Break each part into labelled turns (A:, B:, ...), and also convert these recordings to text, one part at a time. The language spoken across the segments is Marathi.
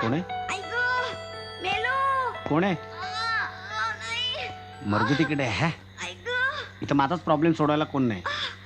A: कोण आहे? कोण आहे? मर्दी तिकडे है. इथं माझाच प्रॉब्लेम सोडवायला कोण नाही.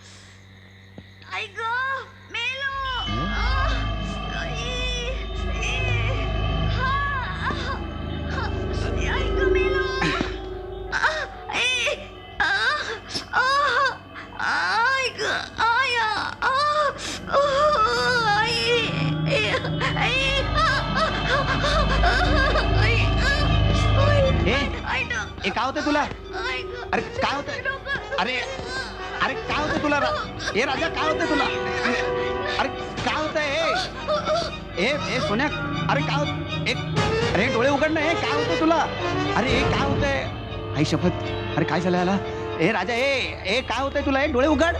A: ए काय होतंय तुला? अरे काय होतंय? अरे अरे काय होतंय तुला? ए राजा काय होतंय तुला? अरे काय होतंय? ए सोन्या अरे काय होत? अरे डोळे उघड ना. काय होतंय तुला? अरे काय होतंय? आई शपथ. अरे काय झालं याला? ए राजा ए काय होतंय तुला? डोळे उघड.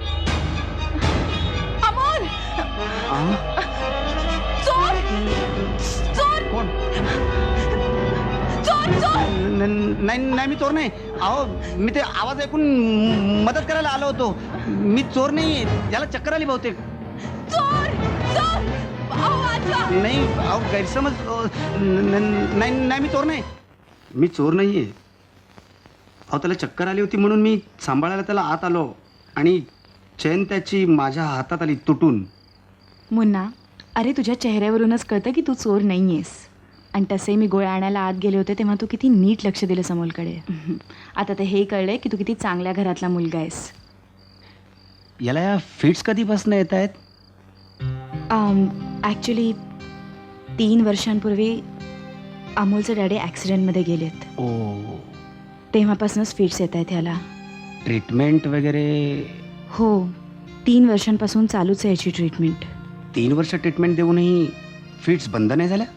B: अमोल चोर चोर
A: कोण?
B: चोर चोर
A: नाही मी चोर नाही. अहो मी ते आवाज ऐकून मदत करायला आलो होतो. मी चोर नाही. याला चक्कर आली बहुतेक.
B: चोर चोर
A: नाही अहो गैरसमज. नाही मी चोर नाही. मी चोर नाहीये. अहो त्याला चक्कर आली होती म्हणून मी सांभाळायला त्याला आत आलो आणि चैन त्याची माझ्या हातात आली तुटून.
B: मुन्ना, अरे तुझ्या चेहऱ्यावरूनच कळतं की तू चोर नाहीयेस. आणि तसे मी गोळ्या आणायला आत गेले होते तेव्हा तू किती नीट लक्ष दिलं समोलकडे. आता तर हे कळलंय की तू किती चांगल्या घरातला मुलगा आहेस.
A: याला या फिट्स कधीपासून येत आहेत?
B: ॲक्च्युली 3 वर्षांपूर्वी अमोलचे डॅडी ॲक्सिडेंटमध्ये गेलेत.
A: ओ.
B: तेव्हापासूनच फिट्स येत आहेत ह्याला.
A: ट्रीटमेंट वगैरे?
B: हो, 3 वर्षांपासून चालूच आहे याची ट्रीटमेंट.
A: 3 वर्ष ट्रीटमेंट देऊनही फिट्स बंद नाही झाल्या?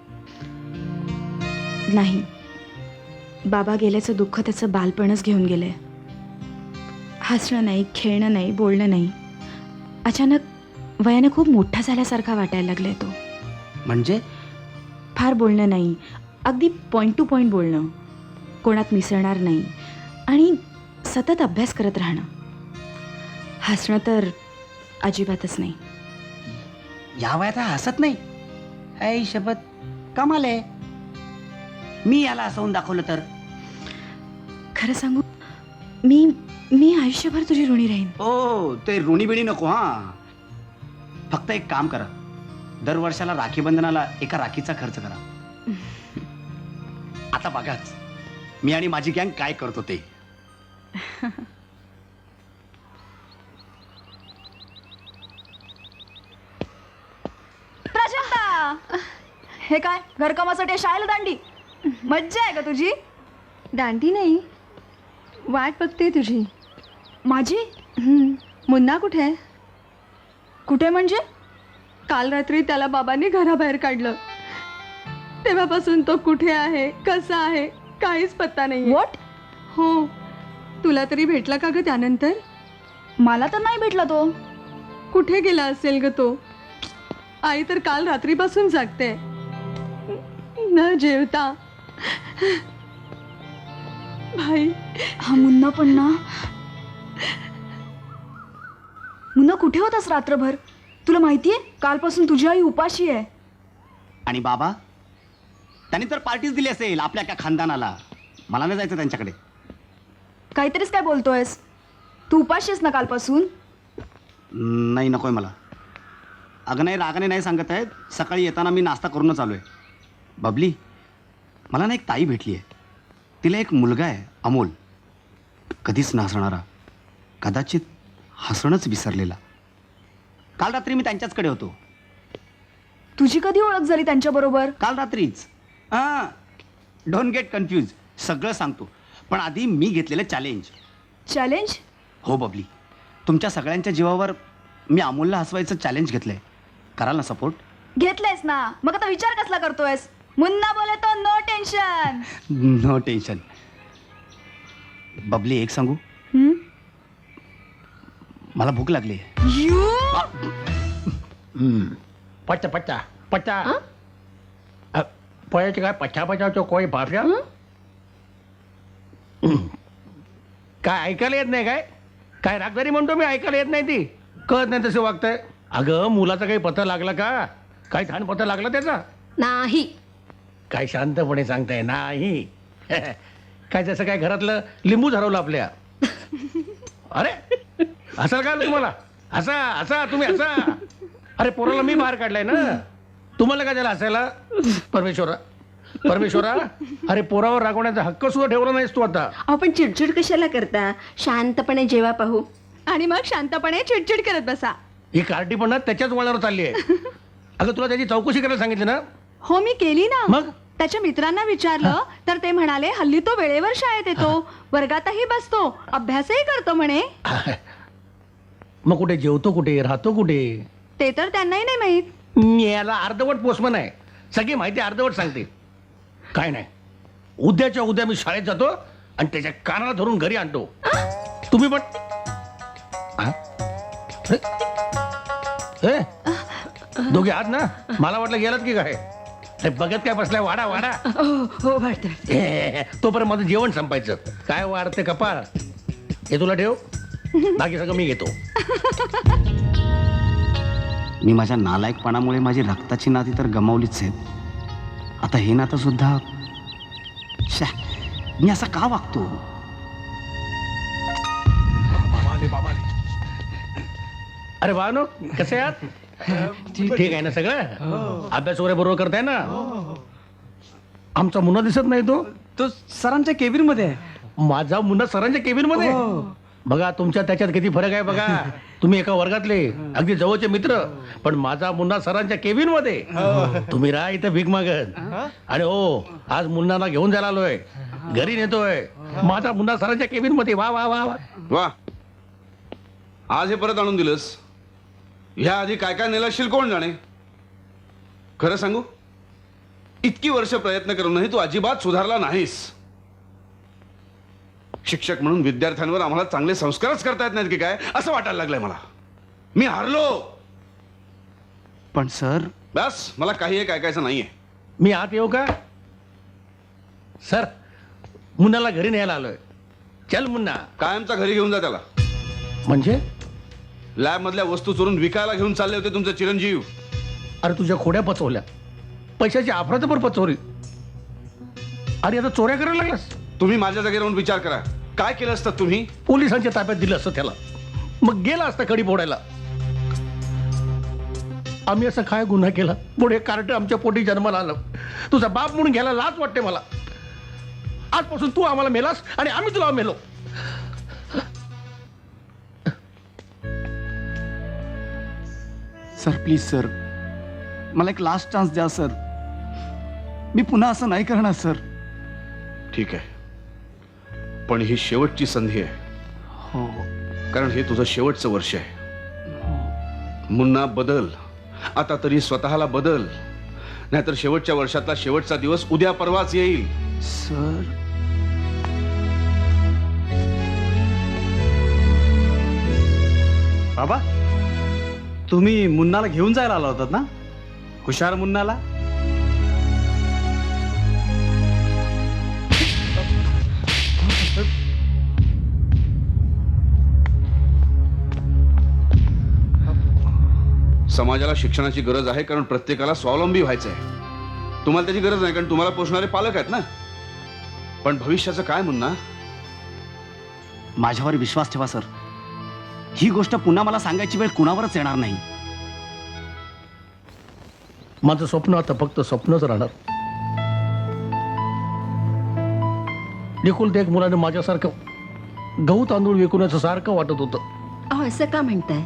B: नाही, बाबा गेल्याचं दुःख त्याचं बालपणच घेऊन गेलंय. हसणं नाही, खेळणं नाही, बोलणं नाही. अचानक वयाने खूप मोठा झाल्यासारखा वाटायला लागलाय तो.
A: म्हणजे?
B: फार बोलणं नाही, अगदी पॉईंट टू पॉईंट बोलणं, कोणात मिसळणार नाही आणि सतत अभ्यास करत राहणं. हसणं तर अजिबातच नाही.
A: या वयात हसत नाही? आई शपथ, कमाल आहे. मी याला हसवून दाखवलं तर?
B: खरं सांगू, मी आयुष्यभर तुझी ऋणी राहीन.
A: ओ ते ऋणी बिणी नको. हा, फक्त एक काम करा, दर वर्षाला राखी बंधनाला एका राखीचा खर्च करा. आता बघाच मी आणि माझी गँग काय करतो ते.
B: प्राजक्ता, हे काय घरकामासाठी शाळेला दांडी? मज्जा आहे का तुझी?
C: दांडी नाही, वाट बघते तुझी.
B: माझी?
C: मुन्ना कुठे आहे?
B: कुठे म्हणजे?
C: काल रात्री त्याला बाबांनी घराबाहेर काढलं. तेव्हापासून तो कुठे आहे, कसा आहे, काहीच पत्ता नाही.
B: व्हॉट?
C: हो, तुला तरी भेटला का ग त्यानंतर?
B: मला तर नाही भेटला तो.
C: कुठे गेला असेल ग तो? आई तर काल रात्रीपासून जागते, न जेवता. भाई,
B: हा मुन्ना पण ना. मुन्ना कुठे होतास रात्रभर? तुला माहितीये कालपासून तुझी आई उपाशी आहे.
A: आणि बाबा त्यांनी तर पार्टीच दिली असेल आपल्या एका खानदानाला. मला नाही जायचं त्यांच्याकडे.
B: काहीतरीच काय बोलतोयस? तू उपाशी आहेस ना कालपासून?
A: नाही नकोय मला. अगं नाही, रागाने नाही सांगत आहेत. सकाळी येताना मी नाश्ता करूनच आलो आहे. बबली, मला ना एक ताई भेटली आहे. तिला एक मुलगा आहे अमोल, कधीच न हसणारा, कदाचित हसणंच विसरलेला. काल रात्री मी त्यांच्याचकडे होतो.
B: तुझी कधी ओळख झाली त्यांच्याबरोबर?
A: काल रात्रीच. हां, डोंट गेट कन्फ्यूज, सगळं सांगतो. पण आधी मी घेतलेलं चॅलेंज.
B: चॅलेंज?
A: हो बबली, तुमच्या सगळ्यांच्या जीवावर मी अमोलला हसवायचं चॅलेंज घेतलंय. कराल ना सपोर्ट?
B: घेतलेस ना, मग आता विचार कसला करतोयस? मुन्ना बोले तो no tension.
A: No tension. Babli एक सांगू, मला भूक लागली.
D: पच्चा पच्चा पच्चा पळायचं काय? पच्चा पचावतो कोणी भाषा काय ऐकायला येत नाही काय? काय रागदारी म्हणतो मी? ऐकायला येत नाही ती? कळत नाही तसं वागतंय. अगं मुलाचा काही पत्ता लागला का? काही ठाण पत्ता लागला त्याचा?
C: नाही.
D: काय शांतपणे सांगताय नाही? काय जसं काय घरातलं लिंबू हरवलं आपल्या. अरे हसाल काय तुम्हाला? हसा हसा तुम्ही हसा. अरे पोराला मी बाहेर काढलाय ना, तुम्हाला काय त्याला हसायला? परमेश्वरा परमेश्वरा, अरे पोरावर रागवण्याचा हक्क सुद्धा ठेवला नाहीस तू आता.
E: आपण चिडचिड कशाला करता? शांतपणे जेवा पाहू.
C: आणि मग शांतपणे चिडचिड करत बसा.
D: ही कार्टी पण ना त्याच्याच वळणावर चालली आहे. अगं तुला त्याची चौकशी करायला सांगितली ना?
C: हो मी केली ना.
D: मग?
C: त्याच्या मित्रांना विचारलं तर ते म्हणाले हल्ली तो वेळेवर शाळेत येतो, वर्गातही बसतो, अभ्यासही करतो म्हणे.
D: मग कुठे जेवतो, कुठे राहतो, कुठे?
C: ते तर त्यांनाही नाही माहीत.
D: याला अर्धवट पोस्टमन आहे, सगळी माहिती अर्धवट सांगते. काय नाही, उद्याच्या उद्या मी शाळेत जातो आणि त्याच्या कानाला धरून घरी आणतो. तुम्ही पण हा? ए, दोघे आहात ना? मला वाटलं गेलात की काय. अरे बघत काय बसलाय, वाडा वाडा.
E: हो वाटत.
D: तोपर्यंत माझं जेवण संपायचं. काय वाढते कपाळ, हे तुला ठेव, बाकी सगळं मी घेतो.
F: मी माझ्या नालायकपणामुळे माझी रक्ताची नाती तर गमावलीच आहेत. आता हे नातं सुद्धा. शा, मी असा का वागतो?
D: अरे भावनो, कसे आहात? ठीक आहे ना सगळं? अभ्यास वगैरे बरोबर करताय ना? आमचा मुन्ना दिसत नाही तो
F: सरांच्या केबिन मध्ये आहे.
D: माझा मुन्ना सरांच्या केबिन मध्ये. बघा तुमच्या त्याच्यात किती फरक आहे बघा. तुम्ही एका वर्गातले अगदी जवळचे मित्र, पण माझा मुन्ना सरांच्या केबिन मध्ये. तुम्ही राहा इथं भीक मागत. आणि हो, आज मुन्नाला घेऊन जायला आलोय, घरी नेतोय. माझा मुन्ना सरांच्या केबिन मध्ये. वा वा वा वा.
G: वा, आज हे परत आणून दिलंस. ह्या आधी काय काय नेलं असशील कोण जाणे. खरं सांगू, इतकी वर्ष प्रयत्न करूनही तू अजिबात सुधारला नाहीस. शिक्षक म्हणून विद्यार्थ्यांवर आम्हाला चांगले संस्कारच करता येत नाहीत की काय, असं वाटायला लागलंय मला. मी हारलो.
F: पण सर,
G: बस, मला काही एक ऐकायचं नाहीये.
D: मी आत येऊ का? सर, मुन्नाला घरी न्यायला आलोय. चल मुन्ना.
G: कायमचा घरी घेऊन जा त्याला.
D: म्हणजे?
G: लॅब मधल्या वस्तू चोरून विकायला घेऊन चालले होते तुमचे चिरंजीव.
D: अरे तुझ्या खोड्या पचवल्या, पैशाची अफरातफर पचवली. अरे आता चोऱ्या करायला लागलास.
G: तुम्ही माझ्या जागी राहून विचार करा, काय केलं असतं तुम्ही?
D: पोलिसांच्या ताब्यात दिलं असतं त्याला, मग गेला असता कडी फोडायला. आम्ही असं काय गुन्हा केला? पुढे कार्ट आमच्या पोटी जन्माला आलं. तुझा बाप म्हणून घ्यायला लाज वाटते मला. आजपासून तू आम्हाला मेलास आणि आम्ही तुला मेलो.
F: सर प्लीज सर, मला एक लास्ट चान्स द्या सर. मी पुन्हा असं नाही करणार सर.
G: ठीक आहे, पण ही शेवटची संधी आहे.
F: हो.
G: कारण हे तुझं शेवटचं वर्ष आहे. मुन्ना बदल, आता तरी स्वतःला बदल, नाहीतर शेवटच्या वर्षातला शेवटचा दिवस उद्या परवाच येईल.
F: सर, बाबा तुम्ही मुन्नाला घेऊन जायला आला होतात ना? हुशार मुन्नाला.
G: समाजाला शिक्षणाची गरज आहे, कारण प्रत्येकाला स्वावलंबी व्हायचं आहे. तुम्हाला त्याची गरज नाही, कारण तुम्हाला पोषणारे पालक आहेत ना. पण भविष्याचं काय मुन्ना?
F: माझ्यावर विश्वास ठेवा सर. ही गोष्ट पुन्हा मला सांगायची वेळ कुणावरच येणार नाही.
D: माझं स्वप्न आता फक्त स्वप्नच राहणार. एकुलते एक मुलाने माझ्यासारखं गहू तांदूळ विकण्याचं सारखं वाटत होतं.
E: अहो, असं का म्हणताय?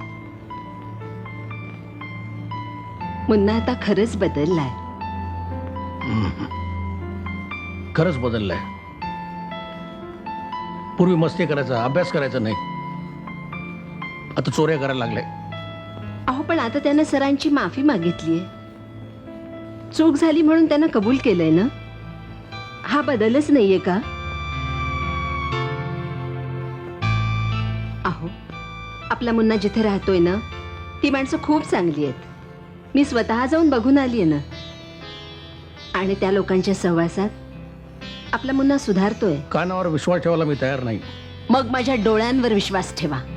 E: मुन्ना आता खरंच बदललाय.
D: खरंच बदललंय. पूर्वी मस्ती करायचा, अभ्यास करायचा नाही, आता चोऱ्या करायला लागलाय.
E: अहो, पण आता त्यानं सरांची माफी मागितलीये. चूक झाली म्हणून त्यानं कबूल केलंय ना. हा बदलच नाहीये का? अहो, आपला मुन्ना जिथे राहतोय ना, ती माणसं खूप चांगली आहेत. मी स्वतः जाऊन बघून आलीये ना. आणि त्या लोकांच्या सहवासात आपला मुन्ना सुधारतोय.
D: कानावर विश्वास ठेवायला मी तयार नाही.
E: मग माझ्या डोळ्यांवर विश्वास ठेवा.